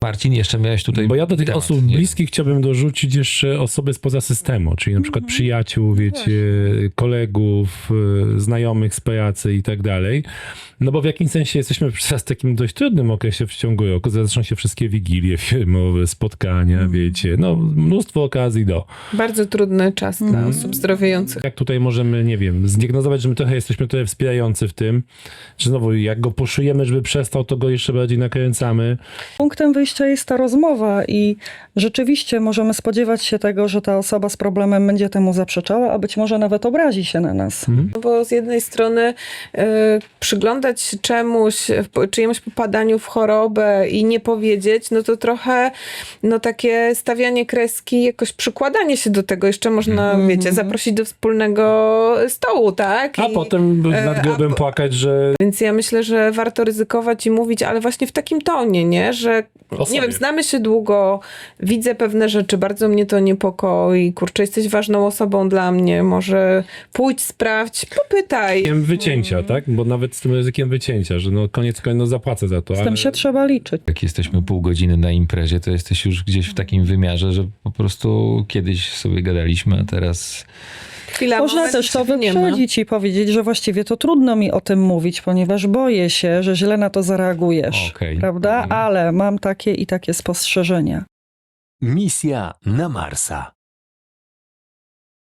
Marcin, jeszcze miałeś tutaj Bo ja do tych temat, osób nie? bliskich chciałbym dorzucić jeszcze osoby spoza systemu, czyli na przykład przyjaciół, wiecie, kolegów, znajomych z pracy i tak dalej. No bo w jakimś sensie jesteśmy teraz w takim dość trudnym okresie w ciągu roku. Zaczną się wszystkie wigilie firmowe, spotkania, wiecie, no mnóstwo okazji do. Bardzo trudny czas dla osób zdrowiejących. Jak tutaj możemy, nie wiem, zdiagnozować, że my trochę jesteśmy trochę wspierający w tym, że znowu jak go poszujemy, żeby przestał, to go jeszcze bardziej nakręcamy. Punktem wyjścia jest ta rozmowa i rzeczywiście możemy spodziewać się tego, że ta osoba z problemem będzie temu zaprzeczała, a być może nawet obrazi się na nas. No bo z jednej strony przyglądać się czemuś, czyjemuś popadaniu w chorobę i nie powiedzieć, no to trochę takie stawianie kreski, jakoś przykładanie się do tego. Jeszcze można, wiecie, zaprosić do wspólnego stołu, tak? A potem nad grobem płakać, że Więc ja myślę, że warto ryzykować i mówić, ale właśnie w takim tonie, nie? Że O sobie. nie wiem, znamy się długo, widzę pewne rzeczy, bardzo mnie to niepokoi, kurczę, jesteś ważną osobą dla mnie, może pójdź, sprawdź, popytaj. ryzykiem wycięcia, tak? Bo nawet z tym ryzykiem wycięcia, że no koniec końców zapłacę za to. Z tym się trzeba liczyć. Jak jesteśmy pół godziny na imprezie, to jesteś już gdzieś w takim wymiarze, że po prostu kiedyś sobie gadaliśmy, a teraz... Chwila, Można moment, też to się nie ma. wyprzedzić i powiedzieć, że właściwie to trudno mi o tym mówić, ponieważ boję się, że źle na to zareagujesz. Okej. Prawda? Ale mam takie i takie spostrzeżenia. Misja na Marsa.